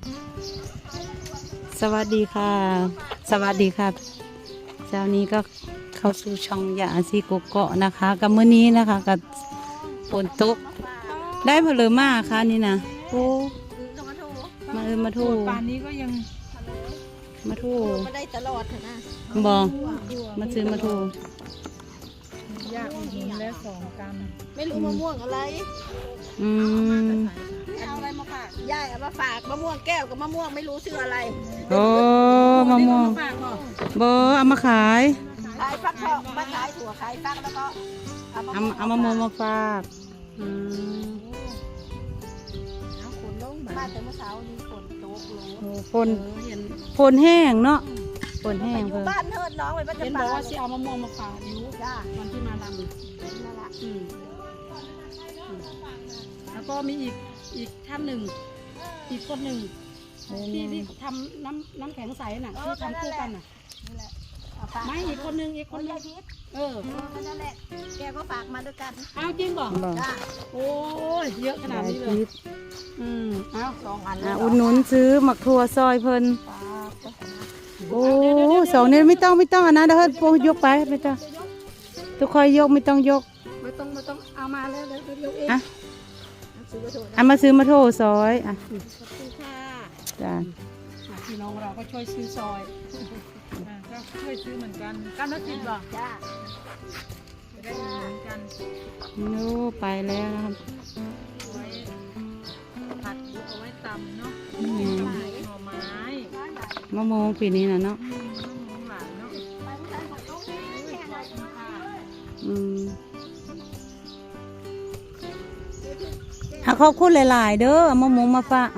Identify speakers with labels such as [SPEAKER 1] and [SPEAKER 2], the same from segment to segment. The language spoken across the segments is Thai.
[SPEAKER 1] สวัสดีค่ะ สวัสดีค่ะเช้านี้ก็เข้าสู่ช่องยาซีโกเกาะนะคะกับมื้อนี้นะคะกับฝนตกได้ผลเลยมากค่ะนี่นะโอ้มาทู
[SPEAKER 2] ป่านนี้ก็ยัง
[SPEAKER 1] มาทู
[SPEAKER 3] มาได้ตลอดนะ
[SPEAKER 1] บอกมาซื้อมาทู
[SPEAKER 2] ยากหินและ2 กรัม
[SPEAKER 3] ไม่รู้มะม่วงอะไร
[SPEAKER 1] อืม
[SPEAKER 3] เอาอะไรมาฝากยายเอามาฝากมะม่วงแก้วกับมะม่วงไม่รู้ชื่ออะไร
[SPEAKER 1] โอ้มะม่วง
[SPEAKER 2] ฝากบอก
[SPEAKER 1] บอเอามาขาย
[SPEAKER 3] ขายฟักทองมาขายถั่วขายฟักแล้วก็
[SPEAKER 1] เอามะม่วงมาฝากอืม
[SPEAKER 3] เอาขนลงมาแต่เมื่อเช้านี้ฝนตกลง
[SPEAKER 1] โอ้ฝนแห้งเนาะฝนแห้ง
[SPEAKER 3] อยู่
[SPEAKER 1] เพิ่น
[SPEAKER 3] บ้านเฮิดน้องไปบ้าน
[SPEAKER 2] เห็
[SPEAKER 3] จะ
[SPEAKER 2] นบ
[SPEAKER 3] ป่า
[SPEAKER 2] อกว่าสิเอามะม่วงมาฝากอยู่
[SPEAKER 3] จ้า
[SPEAKER 2] วันที่มาลำ
[SPEAKER 3] นั่นแหละ
[SPEAKER 2] แล้วก็มีอีกท่านหนึ่งอีกคนหนึ่งที่ทำน้ำแข็งใสน่ะที่ทำคู่กันน่ะ
[SPEAKER 3] นี่แหละเอาฝาก
[SPEAKER 2] ไม่อีกคนหนึ่ง
[SPEAKER 3] ยายพิษ
[SPEAKER 2] เออ
[SPEAKER 3] นั่นแหละแกก็ฝากมาด้วยกัน
[SPEAKER 2] เอาจริงบอก
[SPEAKER 1] บอก
[SPEAKER 3] จ้า
[SPEAKER 2] โอ้ยเยอะขนาดนี้เลยเอา
[SPEAKER 3] 2 อัน
[SPEAKER 1] อุดหนุนซื้อหมักทั่วซอยเพิ่น
[SPEAKER 3] ฝาก
[SPEAKER 1] โอ้สองเนี่ยไม่ต้องอันนั้นเด้อเฮ้ยพวกยกไปไม่ต้องทุกคนยกไม่ต้องยก
[SPEAKER 2] ไม่ต้องเอามาแล้วเดี๋ยวเอง
[SPEAKER 1] อ่ะ
[SPEAKER 3] ซื้อมาถูก
[SPEAKER 1] เอามาซื้อมาโทซอยอ่ะ
[SPEAKER 3] ขอบคุณค่ะ
[SPEAKER 1] จ้า
[SPEAKER 2] พี่น้องเราก็ช่วยซื้อซอยก็ช่วยซื้อเหมือนกันกันละ10 บาท
[SPEAKER 3] จ้า
[SPEAKER 2] จะได้เหมือนกัน
[SPEAKER 1] โอ้ไปแล้วนะครับ
[SPEAKER 2] ไว้ผัดเอาไว้ตำเนาะ
[SPEAKER 1] อืม
[SPEAKER 2] หน่อไม้
[SPEAKER 1] มะม่วงปีนี้นะเนาะ
[SPEAKER 2] มะม่วงหวานเนาะ
[SPEAKER 1] อืมขอบคุณหลาย ๆ เด้อเอามะม่วงมาฝาก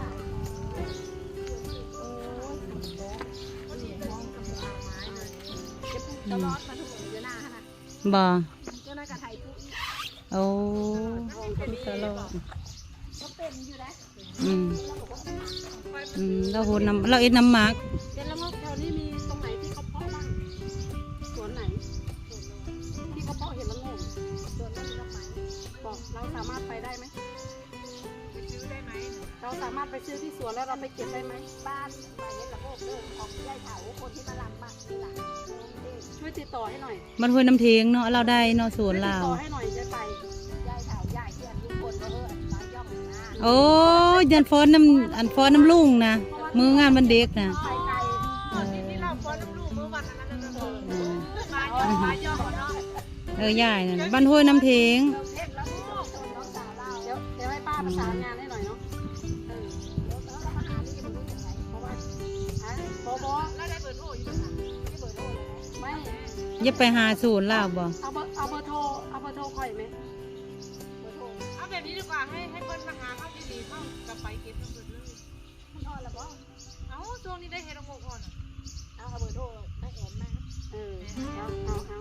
[SPEAKER 3] ตลอดมาถูกอยู่หน้าค่ะ
[SPEAKER 1] บ่
[SPEAKER 3] เจ้าหน้ากระไทยผู้
[SPEAKER 1] โอ้ตลอด
[SPEAKER 3] ก็เป็นอยู่นะ
[SPEAKER 1] อืมเราโหดน้ำเราเอ็ดน้ำหมัก
[SPEAKER 2] เจนละมกแถวนี้มีตรงไหนที่เขาเพาะบ้างสวนไหนที่เขาเพาะเห็ดละโงก
[SPEAKER 3] ส่วนนั้นก็ไป
[SPEAKER 2] บอกเราสามารถไปได้ไหม
[SPEAKER 3] ไปซื้อได้ไหม
[SPEAKER 2] เราสามารถไปซื้อที่สวนแล้วเราไปเก็บได้ไหม
[SPEAKER 3] บ้านมาเห็นละโงกเดินของยายเถาคนที่มาลำบ้านนี่แหละ
[SPEAKER 2] ช่วยติดต่อให้หน่อย
[SPEAKER 1] มันห้วยน้ำเทงเนาะเราได้เนาะสวน
[SPEAKER 2] ติด
[SPEAKER 1] เรา
[SPEAKER 2] ต่อให้หน่อยจะไป
[SPEAKER 3] ยายเถายายเทียนทุกคนก็มาย่องหน้า
[SPEAKER 1] โอ้ยันฟ้อนน้ำอันฟ้อนน้ำลุงนะมืองานวันเด็กนะ
[SPEAKER 3] ไปไกล
[SPEAKER 1] ที่เราฟ้อนน้ำลุงเมื่อวันนั้น
[SPEAKER 3] มาย่องเนาะ
[SPEAKER 1] ใหญ่น่ะบ้านห้วยน้ำเทง
[SPEAKER 3] เทพละโงกน้องสาวเรา
[SPEAKER 2] เดี๋ยวให้ป้าประสานงานให้หน่อยเนาะ
[SPEAKER 3] แล้วเรามาหาที่มันรู้ยังไงเพราะว่า
[SPEAKER 2] บอบอ
[SPEAKER 3] แล้วได้เบอร์โทรอยู่ตรงไหนไม่เบอร์โทรเลยนะ
[SPEAKER 2] ไม่
[SPEAKER 1] อย่าไปหาศูนย์เราบ่
[SPEAKER 2] เอาเบอร์โทรค่อยไหม
[SPEAKER 3] เบอร์โทร
[SPEAKER 4] เอาแบบนี้ดีกว่าให้เพิ่นมาหาเขาดีๆเข้ากลับไปเก็บทั้งหมดเลย
[SPEAKER 3] มันอ่อนละบ่
[SPEAKER 4] เอ้าช่วงนี้ได้เฮ็ดละโงกอ่อนอะ
[SPEAKER 3] เอาเบอร์โทรได้แอนมา
[SPEAKER 2] เอา
[SPEAKER 3] เดี๋ยวจะ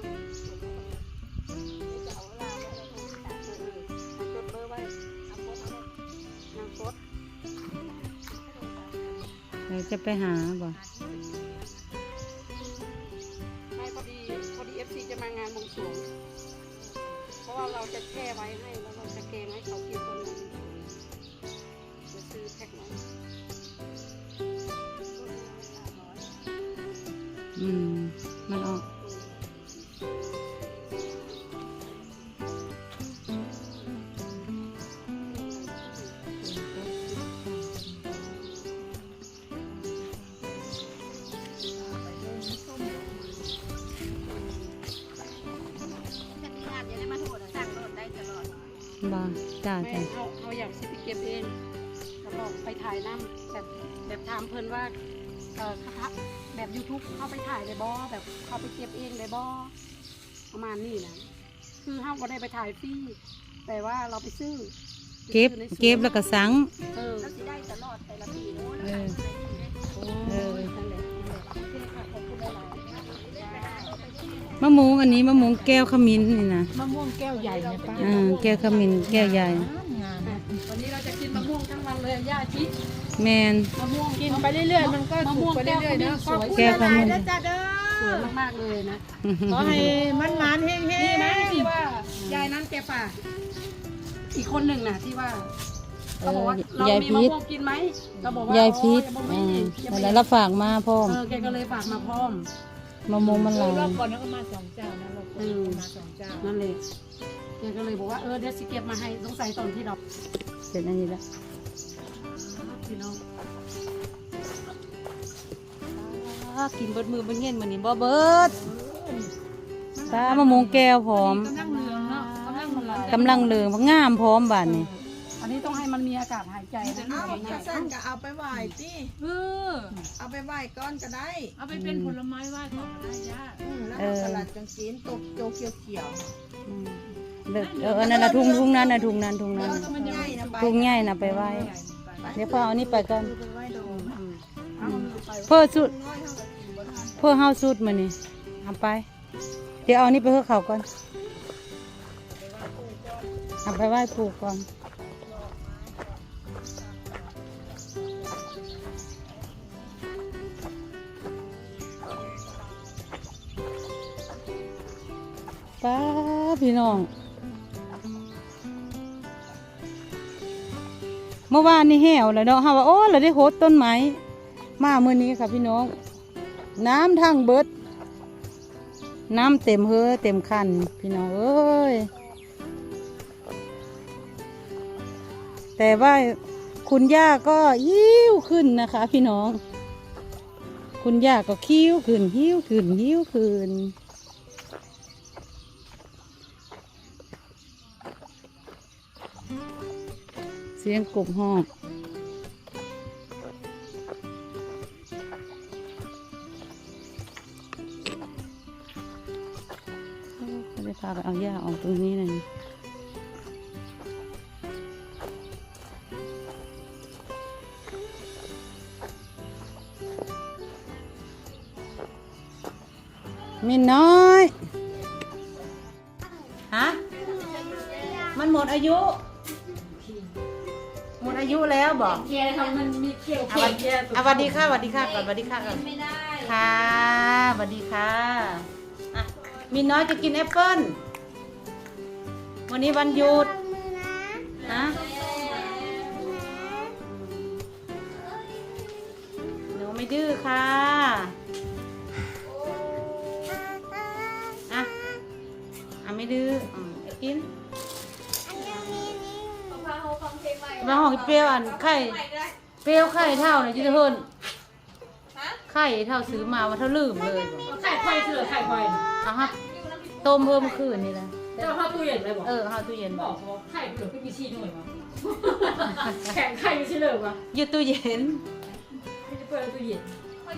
[SPEAKER 3] เอาเวลาแล้วเราโทรตามเบอร์
[SPEAKER 2] จดเบอร์ไว้
[SPEAKER 3] เอาโพสเอา
[SPEAKER 2] นางโคต
[SPEAKER 1] เดี๋ยวจะไปหาบ่
[SPEAKER 2] ไม่พอดีFC จะมางานบวงสรวงเพราะว่าเราจะแช่ไว้ให้แล้วเราจะแกงให้เขากินตอนนั้นจะซื้อแพ็คหน่อย
[SPEAKER 1] อืมมันออกบ่จ้า
[SPEAKER 2] แม่
[SPEAKER 1] จ้า
[SPEAKER 2] เขาอยากสิไปเก็บเองแล้วก็ไปถ่ายน้ำแบบถามเพิ่นว่าแบบ YouTube เข้าไปถ่ายได้บ่แบบเข้าไปเก็บเองได้บ่ประมาณนี้นะคือเฮาบ่ได้ไปถ่ายฟรีแต่ว่าเราไปซื้อ
[SPEAKER 1] เก็บ
[SPEAKER 2] ในสวน
[SPEAKER 1] เก็บแล้วก็สัง
[SPEAKER 2] เออ
[SPEAKER 3] แล้วสิได้ตลอดแต่ละปีโน้น
[SPEAKER 1] เออ
[SPEAKER 2] เออนั่นแหละโอเคค่ะขอบคุณหลาย
[SPEAKER 1] มะม่วงอันนี้มะม่วงแก้วขมิ้นนี่นะ
[SPEAKER 4] มะม่วงแก้วใหญ่เนี่ยป้า
[SPEAKER 1] แก้วขมิ้นแก้วใหญ่
[SPEAKER 4] งาม
[SPEAKER 2] ๆวันนี้เราจะกินมะม่วงทั้งวันเลยย่าชิ
[SPEAKER 1] แมน
[SPEAKER 2] มะม่วง
[SPEAKER 4] กินไปเรื่อยๆมันก็
[SPEAKER 2] มะ
[SPEAKER 4] สุ
[SPEAKER 2] ม่ว
[SPEAKER 4] ก
[SPEAKER 2] ง
[SPEAKER 4] ไป
[SPEAKER 2] แก้ว
[SPEAKER 4] เรื่อยๆเนาะ
[SPEAKER 2] สวย
[SPEAKER 1] แก้วขมิ้น
[SPEAKER 3] จ้าเด้อ
[SPEAKER 2] สวยมากๆเลยนะ
[SPEAKER 4] ขอให้มันหวานเฮง
[SPEAKER 2] นี่นะที่ว่ายายนั้นแกฝากอีกคนหนึ่งนะที่ว่าเขาบอกว่าเรา
[SPEAKER 1] ยาย
[SPEAKER 2] มี
[SPEAKER 1] พิ
[SPEAKER 2] มะ
[SPEAKER 1] ษ
[SPEAKER 2] ม่วงกินไหมเขาบอกว่าย
[SPEAKER 1] ายพิษ
[SPEAKER 2] โอ้ยยังไม่มี
[SPEAKER 1] แล้วเราฝากมาพร้อม
[SPEAKER 2] แกก็เลยฝากมาพร้อม
[SPEAKER 1] มะม่วงมันหลาย
[SPEAKER 3] รอบก่อนแล้วก็มา2เจ้านะรอบก่อนก็มา2เจ้า
[SPEAKER 2] นั่นเลยแกก็เลยบอกว่าเดี๋ยวสิเก็บมาให้สงสัยตอนที่เรา
[SPEAKER 1] เสร็จอันนี้แล้ว
[SPEAKER 2] พี่น้อง
[SPEAKER 1] กินเบิดมือเบิดเงินมื้อนี้บ่เบิดตามะม่วงแก้วพร้อม
[SPEAKER 2] กำลังเหลืองเนาะกำลังมันหลาย
[SPEAKER 1] กำลังเหลืองงามพร้อมบาดนี้
[SPEAKER 2] อันนี้ต้องให้มันมีอากาศหายใจนะ
[SPEAKER 3] เอา
[SPEAKER 2] เอา
[SPEAKER 3] กระสันก็เอาไปไหว้ติ เอาไปไหว้ก้อนก็ได้
[SPEAKER 4] เอาไปเป็นผลไม้ไหว้ของอะไรย่า
[SPEAKER 3] แล้วเอาสลัดจังจีนตกโจเขียว
[SPEAKER 1] อืมเลิกนั่นน่ะทุ่งนั้นน่ะทุ่งนั้น
[SPEAKER 3] ๆแล้วก็มันง่ายนะไป
[SPEAKER 1] ทุ่งใหญ่น่ะไปไว้ เดี๋ยวพอเอานี่ไปก่อน
[SPEAKER 3] ไปไหว้โดม
[SPEAKER 1] เพื่อสุด
[SPEAKER 3] น้อยเท่ากับกินบ่ทัน
[SPEAKER 1] เพื่อเฮาสุดมื้อนี้เอาไป เดี๋ยวเอานี่ไปเพื่อเขาก่อนเอาไปไหว้ปู่ก่อนป้าพี่น้อง เมื่อวานนี่แห้วแล้วเนาะเฮาว่าโอ้เราได้โหดต้นไม้มามื้อนี้ค่ะพี่น้อง น้ำทั้งเบิด น้ำเต็มเฮ้อเต็มคันพี่น้องเอ้ยแต่ว่าคุณย่าก็ยิ้วขึ้นนะคะ พี่น้อง คุณย่าก็คิ้วขึ้นหิ้วขึ้นหิ้วขึ้นเสียงกบห้องเขาจะพาไปเอาหญ้าออกตรงนี้หน่อยมินน้อย ฮะ มันหมดอายุ หมดอายุแล้วบอก
[SPEAKER 2] เคียร์ทำมันมีเขียว
[SPEAKER 1] สวัสดีสวัสดีค่ะสวัสดีค่ะก่อนสวัสดีค่ะก่อนค่ะสวัสดีค่ะอ่ะมินน้อยจะกินแอปเปิ้ลวันนี้วันหยุดนะหนูไม่ดื้อค่ะอ่ะไม่ดื้อไปกินมาห้องเปรี้ยวอันไข่เปรี้ยวไข่เท่าเนี่ยจิตเฮิรนไข่เท่าซื้อมาว่าเท่าลืมเลยบอก
[SPEAKER 2] ไข่ควายเถื่อไข่ควาย
[SPEAKER 1] เอาครับต้มเพิ่มคืนนี่แหละ
[SPEAKER 2] เจ้าเข้าตู้เย็นเลยบอก
[SPEAKER 1] เข้าตู้เย็น
[SPEAKER 2] บอกว่าไข่เผือกไม่มีชีสหน่อยวะแข็งไข่ไม่ใช่เลยวะ
[SPEAKER 1] ยืดตู้เย็น
[SPEAKER 2] ไม่ได้เปิดตู้เย็น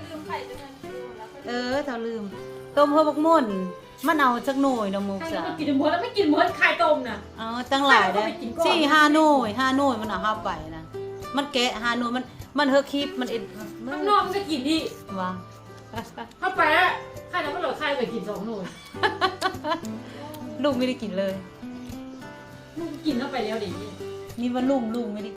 [SPEAKER 1] เท่าลืมต้มเพิ่มบักม่วนมันเอาจักหน่อยนะมุก
[SPEAKER 2] ไข่
[SPEAKER 1] จ้ะ
[SPEAKER 2] ก็กินหมดแล้วไม่กินหมดไข่ต้มน่ะ
[SPEAKER 1] ตั้งหลายได้
[SPEAKER 2] ไข่ก็ไปกินก่อน
[SPEAKER 1] 4-5 หน่วยมันเอาเข้าไปนะมันแกะ5 หน่วยมันเฮอคลิปมันเอ็ด
[SPEAKER 2] ข้างนอกมันจะกินดิ
[SPEAKER 1] วะ
[SPEAKER 2] เข้าไปอะไข่แล้วก็เหลือไข่ไปกิน2 หน่วย
[SPEAKER 1] ลูกไม่ได้กินเลย
[SPEAKER 2] ลูกกินเข้าไปแล้วดิ
[SPEAKER 1] นี่ว่าลุงไม่ได้